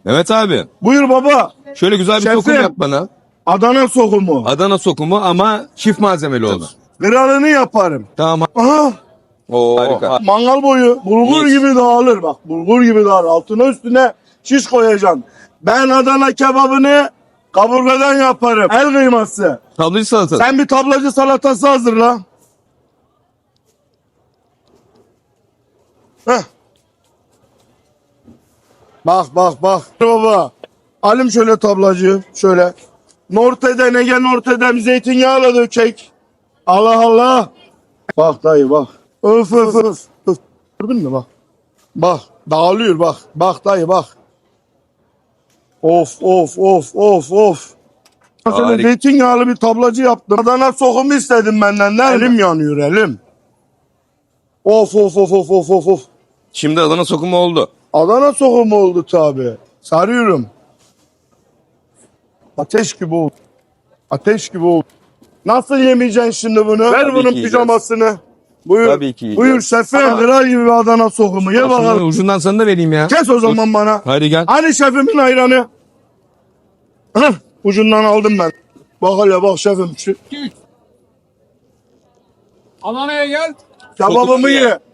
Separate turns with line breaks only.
Evet abi.
Buyur baba.
Şöyle güzel bir
Şefim.
sokum yap bana.
Adana sokumu.
Adana sokumu ama çift malzemeli olsun.
Kralını yaparım.
Tamam.
Aha.
Oo, harika.
Mangal boyu bulgur
Mis.
gibi dağılır bak. Bulgur gibi dağılır. Altına üstüne şiş koyacaksın. Ben Adana kebabını kaburgadan yaparım. El kıyması.
Tablacı salata.
Sen bir tablacı salatası hazırla. Heh. Bak bak bak. Baba. Alim şöyle tablacı. Şöyle. Norte'den Ege Norte'den zeytinyağıyla dökecek. Allah Allah. Bak dayı bak. Öf öf öf. Öf. Gördün mü bak. Bak dağılıyor bak. Bak dayı bak. Of of of of of. Mesela
Harika.
zeytinyağlı bir tablacı yaptım. Adana sokumu istedim benden. Elim yanıyor elim. Of of of of of of of.
Şimdi Adana sokumu oldu.
Adana sokumu oldu tabi. Sarıyorum. Ateş gibi oldu. Ateş gibi oldu. Nasıl yemeyeceksin şimdi bunu? Ver
Tabii
bunun
ki
pijamasını. Buyur.
Tabii ki yiyeceğiz.
Buyur şefim. Kral gibi bir Adana sokumu. Ye
Aslında
bakalım.
ucundan sana da vereyim ya.
Kes o zaman bana.
Hadi gel.
Hani şefimin ayranı? Hah, ucundan aldım ben. Bak hele bak şefim. Şu
Adana'ya gel.
kebabımı ye.